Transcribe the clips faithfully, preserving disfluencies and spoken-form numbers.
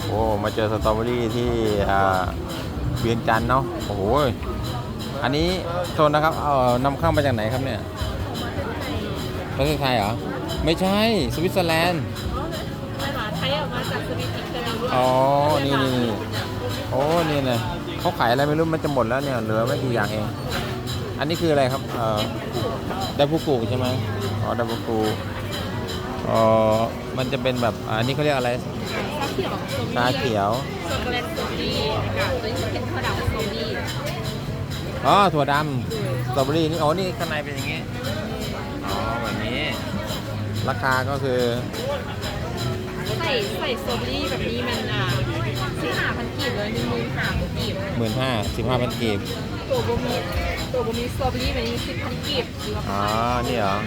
โอ้มาเจอสตรอเบอรี่ที่เวียงจันทร์เนาะโอ้โหอันนี้โทษนะครับเอานำเข้ามาจากไหนครับเนี่ยประเทศไทยเหรอไม่ใช่สวิตเซอร์แลนด์ไม่หรอไทยออกมาจากสวิตอิตาลีอ๋อนี่นี่นี่โอ้นี่เลยเขาขายอะไรไม่รู้มันจะหมดแล้วเนี่ยเหลือไม่กี่อย่างเองอันนี้คืออะไรครับเอ่อไดฟูกุใช่ไหมอ๋อไดฟูกุอ๋อมันจะเป็นแบบอันนี้เขาเรียกอะไรชาเขียวช็อกโกแลตสตรอเบอรี่กับตัวนี้เป็นข้าวดำสตรอเบอรี่อ๋อถั่วดำสตรอเบอรี่นี่อ๋อนี่ข้างในเป็นอย่างนี้อ๋อแบบนี้ราคาก็คือใส่ใส่สตรอเบอรี่แบบนี้มันอ่าสิบห้าพันกีบเลยหนึ่งหมื่นห้าพันกีบหมื่นห้าสิบห้าพันกีบตัวบะหมี่ตัวบะหมี่สตรอเบอรี่แบบนี้สิบพันกีบหรือว่าอ๋อนี่เหรอ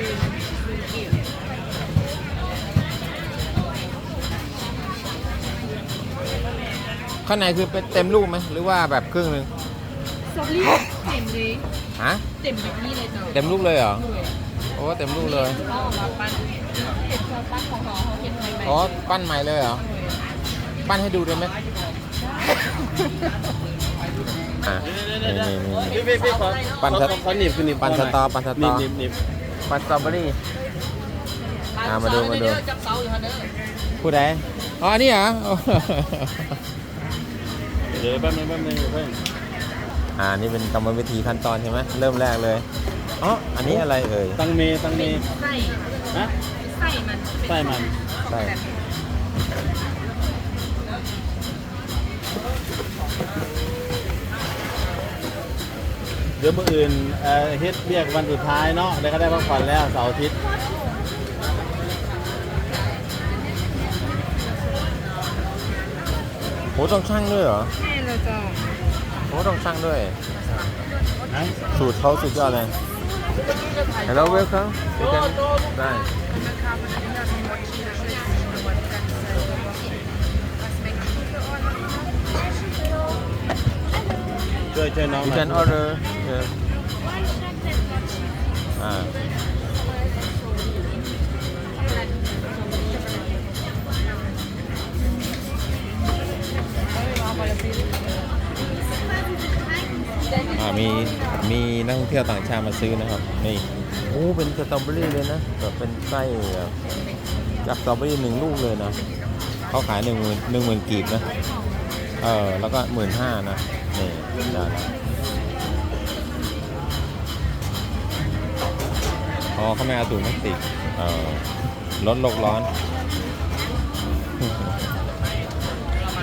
ข้างในคือเป็นเต็มลูกไหมหรือว่าแบบครึ่งหนึ่งสตรอเบอรี่เต็มเลยฮะเต็มแบบนี้เลยจ้ะเต็มลูกเลยเหรอโอ้เต็มลูกเลยเขาออกมาปั้นเห็ดเขาปั้นของเขาเขาเห็ดใหม่ๆอ๋อปั้นใหม่เลยเหรอปั้นให้ดูได้ไหมอ่ะนี่นี่นี่พี่พี่ขอปั่นสตขอหนีบคือหนีบปั่นสตอปั่นสตหนีอบหนีบหนีบปั่นสตรอเบอรี่อ่ามาดูมาดูจับเสาอยู่ฮะเด้อผู้ใดอ๋ออันนี้เหรอเดี๋ยวแป๊บนึงแป๊บนึงเพิ่งอ่านี่เป็นกรรมวิธีขั้นตอนใช่ไหมเริ่มแรกเลยอ๋ออันนี้อะไรเอ่ยตังเมตังเมไส้ฮะไส้มันไส้มันใช่เดี๋ยวมื่ออื่นเอ่อเฮ็ดเรียกวันสุดท้ายเนาะแล้วก็ได้พักผ่อนแล้วเสาร์อาทิตย์โหต้องช่างด้วยเหรอแม่เราจะโหต้องช่างด้วยนะสูตรเขาสุดยอดเลย Hello welcome you can ได้ช่วยช่วยน้อง you หน่อย can order yes อ่าอ่ามีมีนักท่องเที่ยวต่างชาติมาซื้อนะครับนี่โอ้เป็นสตรอเบอรี่เลยนะแบบเป็นไส้แบบจากสตรอเบอรี่หนึ่งลูกเลยนะเขาขายหนึ่งหมื่นหนึ่งหมื่นกีบนะเออแล้วก็หมื่นห้านะนี่ได้แล้วอ๋อเขาไม่เอาถุงพลาสติกเออลดโลกร้อน